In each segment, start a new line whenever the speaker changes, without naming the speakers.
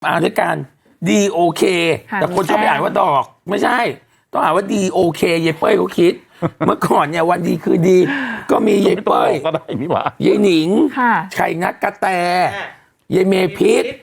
มาด้วยกันดีโอเคแต่คนชอบไปอ่านว่าดอกไม่ใช่ต้องอ่านว่าดีโอเคยายเป้ยเขาคิด เมื่อก่อนเนี่ยวันดีคือดีก็มียายเป้ย
ก็ได้นี่หว่าย
ายหนิงไข่นักกระแตยายเมพิษ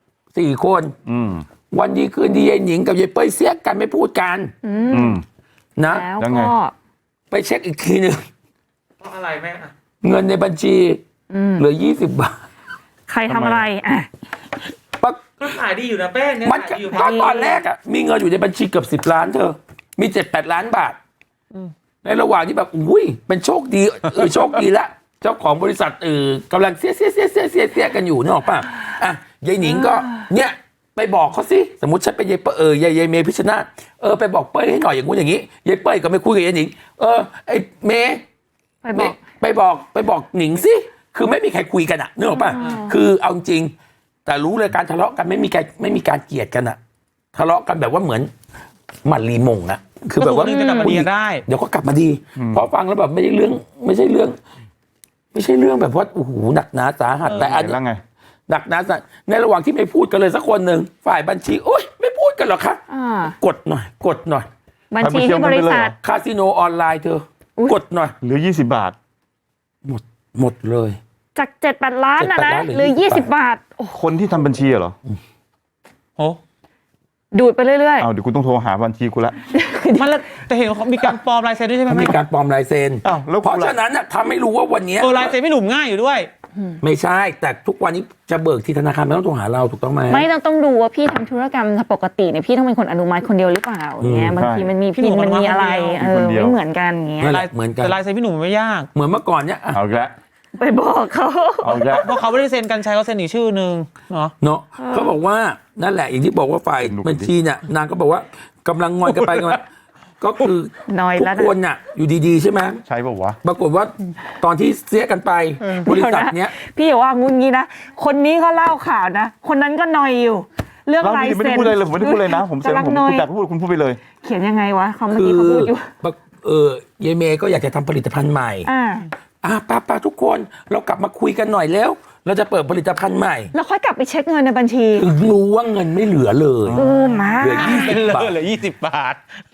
4 คนวันดีคืนดียายหนิงกับยายเป้ยเสียกันไม่พูดกันนะ
แล้วก็
ไปเช็คอีกทีหนึ่ง
เพราะอะไรแม่
เงินในบัญชีเหลือ20 บาท
ใครทำอะไร
ก็ขายดีอยู่นะแป้งเนี่ย
มันก็ตอนแรกอ่ะมีเงินอยู่ในบัญชีเกือบ10 ล้านเธอมี7-8 ล้านบาทในระหว่างที่แบบอุ้ยเป็นโชคดีโชคดีละเจ้าของบริษัทกำลังเสียกันอยู่นึกออกป่ะอ่ะยายหนิงก็เนี่ยไปบอกเขาสิสมมติฉันเป็นยายเมย์พิชนาไปบอกเป้ยให้หน่อยอย่างงู้นอย่างนี้ยายเป้ยก็ไม่คุยกับยายหนิงไอ้เมย์ไปบอกหนิงสิคือไม่มีใครคุยกันอะนึกออกป่ะคือเอาจริงแต่รู้เลยการทะเลาะกันไม่มีการเกลียดกันอะทะเลาะกันแบบว่าเหมือนหมันรีมงอะคือแบบว่า
จะกลับมาดีได้
เดี๋ยวก็กลับมาดีพอฟังแล้วแบบไม่ใช่เรื่องแบบว่าโอ้โหหนักหนาสาหัสแต่อันนี้หนักหนาสาหัสในระหว่างที่ไม่พูดกันเลยสักคนหนึ่งฝ่ายบัญชีโอ๊ยไม่พูดกันหรอคะกดหน่อย
บัญชีที่บริษัท
คาสิโนออนไลน์เธอกดหน่อย
เหลือ20 บาท
หมดเลย
จาก7-8 ล้านนะหรือ20 บาท
คนที่ทำบัญชีเหรอ
โอ้
ดูดไปเรื่อย
ๆเดี๋ยวคุณต้องโทรหาบัญชีคุณละ
มันแต่เห็นเขามีการปลอมลายเซ็นด้วยใช่ไหม
มีการปลอมลายเซ็นเพราะฉะนั้นทำให้รู้ว่าวันนี้
ลายเซ็นไม่หนุ่มง่ายอยู่ด้วย
ไม่ใช่แต่ทุกวันนี้จะเบิกที่ธนาคารไม่ต้องโทรหาเราถูกต้องไหม
ไม่ต้องดูว่าพี่ทำธุรกรรมปกติเนี่ยพี่ต้องเป็นคนอนุมัติคนเดียวหรือเปล่าเนี่ยบางทีมันมีพินมันมีอะไรไม่เหมือนกันเงี้ย
เหมือนกัน
แต่ลายเซ็นพี่หนุ่มไม่ยาก
เหมือนเมื่อก่อนเนี่ย
เอาละ
ไปบอกเขา
เพราะเขาไม่ได้เซ็นกันใช้เขาเซ็นอีกชื่อนึงเนาะ
เขาบอกว่านั่นแหละอย่างที่บอกว่าฝ่ายบัญชีเนี่ยนางก็บอกว่ากำลังงอนกันไปกันมาก็คือทุกคนน่ะอยู่ดีๆใช่ไหม
ใช่ป่าววะ
ปรากฏว่าตอนที่เสียกันไปบริษัทเนี้ย
พี่อย่าว่างูงี้นะคนนี้เขาเล่าข่าวนะคนนั้นก็นอยอยู่เรื่องลายเซ็น
ไม่ได้พูดอะไรเลยผมไม่ได้พูดเลยนะผมเซ็นผมอยากพูดคุณพูดไปเลย
เขียนยังไงวะเขาเมื่อกี้เขาพูดอยู่
ยายเมย์ก็อยากจะทำผลิตภัณฑ์ใหม่ป้าทุกคนเรากลับมาคุยกันหน่อยแล้วเราจะเปิดผลิตภัณฑ์ใหม่
แล้วค่อยกลับไปเช็คเงินในบัญชี
ถึงรู้ว่าเงินไม่เหลือเลย
มา
เหลือ20 บาท
เหลือ20 บาท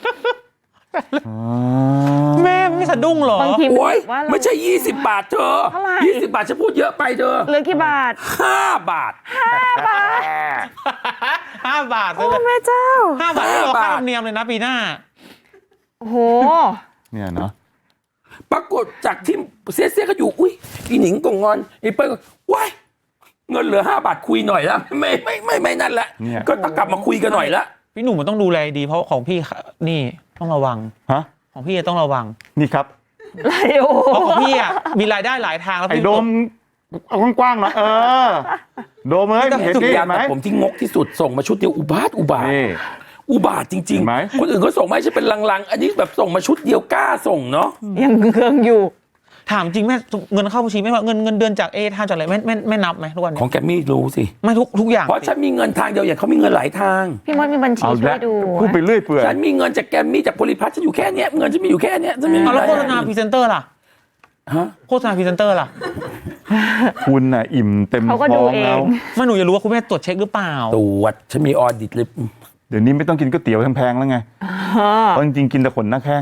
แม่ไม่สะดุ้งหรอบ
างที
ไม่ใช่20 บาทเธอ20 บาทฉันพูดเยอะไปเธอ
เหลือกี่บาท
5 บาท
5 บาท
5 บาท
โอ้แม่เจ้า
5 บาทเราค่าธรรมเนียมเลยนะปีหน้า
โอ้โห
เนี่ยเนาะ
ปรากฏจากที่เสียก็อยู่อุ้ยอีหนิงก็งอนอีเปิ้ลก็ว้ายเงินเหลือ5 บาทคุยหน่อยละไม่นั่นแหละก็ต้องกลับมาคุยกันหน่อยละ
พี่หนุ่มมันต้องดูแลดีเพราะของพี่นี่ต้องระวังของพี่ต้องระวัง
นี่ครับ
เพราะของพี่มีรายได้หลายทางแล้ว
ไอ้โดมเอากว้างๆหน่อยโดมเห็นไหม
ผมที่งกที่สุดส่งมาชุดเดียวอุบาทจริงๆคนอื่นเขาส่งมาใช่เป็นลังๆอันนี้แบบส่งมาชุดเดียวกล้าส่งเนาะ
ยังเครื่องอยู่
ถามจริงแม่เงินเข้าบัญชีไม่ว่าเงินเดือนจากทางจากอะไรไม่นับไหมทุกวัน
ของแกมี่รู้สิ
ไม่ทุกอย่าง
เพราะฉันมีเงินทางเดียวอย่างเขามีเงินหลายทาง
พี่มดมีบัญชีช่วยดู
พูดไปเรื่อยเปื่อย
ฉันมีเงินจากแกมี่จากโพลิพัทฉันอยู่แค่เนี้ยเงินฉันมีอยู่แค่เนี้ย
แล้วโฆษณาพรีเซนเตอร์ล่ะโฆษณาพรีเซนเตอร์ล่ะ
คุณน่ะอิ่มเต็มท้องแล้ว
ไม่หนูจะรู้ว่าคุณแม่ตรวจเช็คหรือเปล่า
ตรวจฉันมีออดิตเลย
เดี๋ยวนี้ไม่ต้องกินก๋วยเตี๋ยวแพงๆแล้วไงเพราะจริงๆกินแต่ขนหน้าแข้ง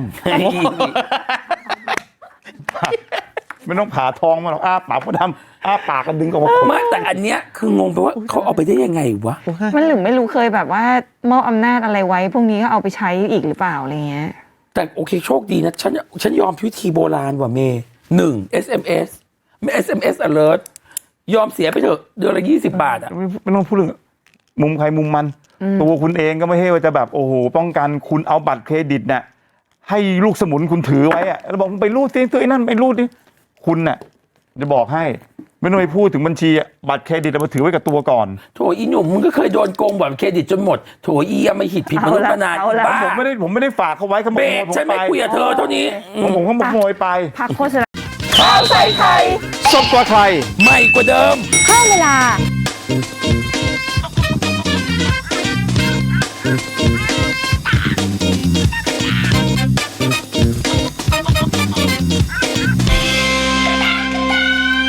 ไม่ต้องผ่าท้องมาหรอกปากก็ดำปากกันดึงออกมา
ไม่แต่อันเนี้ยคืองงไปว่าเขาเอาไปได้ยังไงวะ
มันหรือไม่รู้เคยแบบว่ามอบอำนาจอะไรไว้พวกนี้ก็เอาไปใช้อีกหรือเปล่าอะไรเงี้ย
แต่โอเคโชคดีนะฉันยอมวิธีโบราณว่ะเมย์SMS ไม่ SMS alert ยอมเสียไปเถอะเดือนละ20 บาท
ไม่ต้องพูดเรื่องมุมใครมุมมันตัวคุณเองก็ไม่ให้ว่าจะแบบโอ้โหป้องกันคุณเอาบัตรเครดิตเนี่ยให้ลูกสมุนคุณถือไว้แล้วบอกไปรูดตัวไอ้นั่นไปรูดดิคุณน่ะจะบอกให้ไม่ต้องไปพูดถึงบัญชีบัตรเครดิตมาถือไว้กับตัวก่อน
โถอีหนุ่มมึงก็เคยโดนโกงบัตรเครดิตจนหมดโถอีไม่หิดผิดมนุษย์มานาน
ผมไม่ได้ฝากเขาไว้เขา
เบรกฉันไม่คุยกับเธอเท่านี้
ผมเขาขโมยไป
พักโฆษณา
ข่าวใส่ไข่
สดกว่าใคร
ใหม่กว่าเดิม
เพิ่มเวลา